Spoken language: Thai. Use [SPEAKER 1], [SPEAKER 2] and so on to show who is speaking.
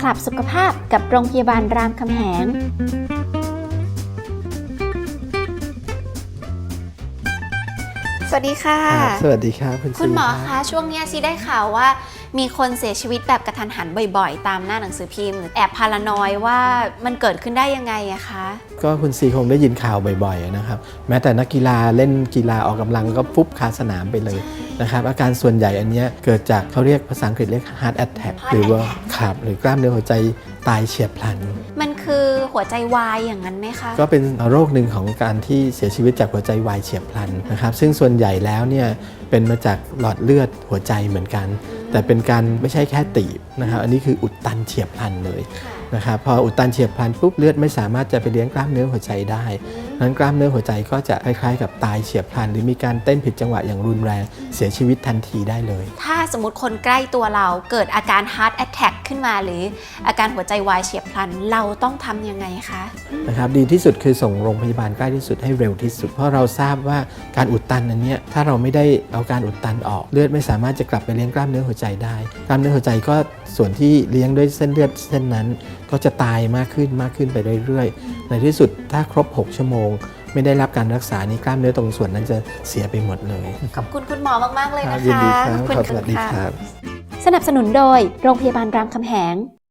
[SPEAKER 1] คลับสุขภาพกับโรงพยาบาลรามคำแหงสวัสดีค่ะ
[SPEAKER 2] สวัสดีครับ
[SPEAKER 1] คุณหมอคะช่วงนี้ซีได้ข่าวว่ามีคนเสียชีวิตแบบกระทันหันบ่อยๆตามหน้าหนังสือพิมพ์แอบพารานอยว่ามันเกิดขึ้นได้ยังไงอะคะ
[SPEAKER 2] ก็คุณซีคงได้ยินข่าวบ่อยๆนะครับแม้แต่นักกีฬาเล่นกีฬาออกกำลังก็ฟุบคาสนามไปเลยนะครับอาการส่วนใหญ่อันนี้เกิดจากเขาเรียกภาษาอังกฤษเรียก heart attack หรือว่าขับหรือกล้ามเนื้อหัวใจตายเฉียบพลัน
[SPEAKER 1] มันคือหัวใจวายอย่างนั้นไหมคะ
[SPEAKER 2] ก็เป็นโรคหนึ่งของการที่เสียชีวิตจากหัวใจวายเฉียบพลันนะครับซึ่งส่วนใหญ่แล้วเนี่ยเป็นมาจากหลอดเลือดหัวใจเหมือนกันแต่เป็นการไม่ใช่แค่ตีบนะครับอันนี้คืออุดตันเฉียบพลันเลยนะครับพออุดตันเฉียบพลันปุ๊บเลือดไม่สามารถจะไปเลี้ยงกล้ามเนื้อหัวใจได้นั้นกล้ามเนื้อหัวใจก็จะคล้ายๆกับตายเฉียบพลันหรือมีการเต้นผิดจังหวะอย่างรุนแรงเสียชีวิตทันทีได้เลย
[SPEAKER 1] ถ้าสมมติคนใกล้ตัวเราเกิดอาการ heart attack ขึ้นมาหรืออาการหัวใจวายเฉียบพลันเราต้องทำยังไงคะ
[SPEAKER 2] นะครับดีที่สุดคือส่งโรงพยาบาลใกล้ที่สุดให้เร็วที่สุดเพราะเราทราบว่าการอุดตันอันนี้ถ้าเราไม่ได้เอาการอุดตันออกเลือดไม่สามารถจะกลับไปเลี้ยงกล้ามเนื้อหัวใจได้กล้ามเนื้อหัวใจก็ส่วนที่เลี้ยงด้วยเส้นเลือดเส้นนั้นก็จะตายมากขึ้นไปเรื่อยๆในที่สุดถ้าครบ6ชั่วโมงไม่ได้รับการรักษานี่กล้ามเนื้อตรงส่วนนั้นจะเสียไปหมดเลย
[SPEAKER 1] ขอบคุณคุณหมอมากๆเลยนะคะ
[SPEAKER 2] ยินดีครับสวัสดีครับ
[SPEAKER 1] สนับสนุนโดยโรงพยาบาลรามคำแหง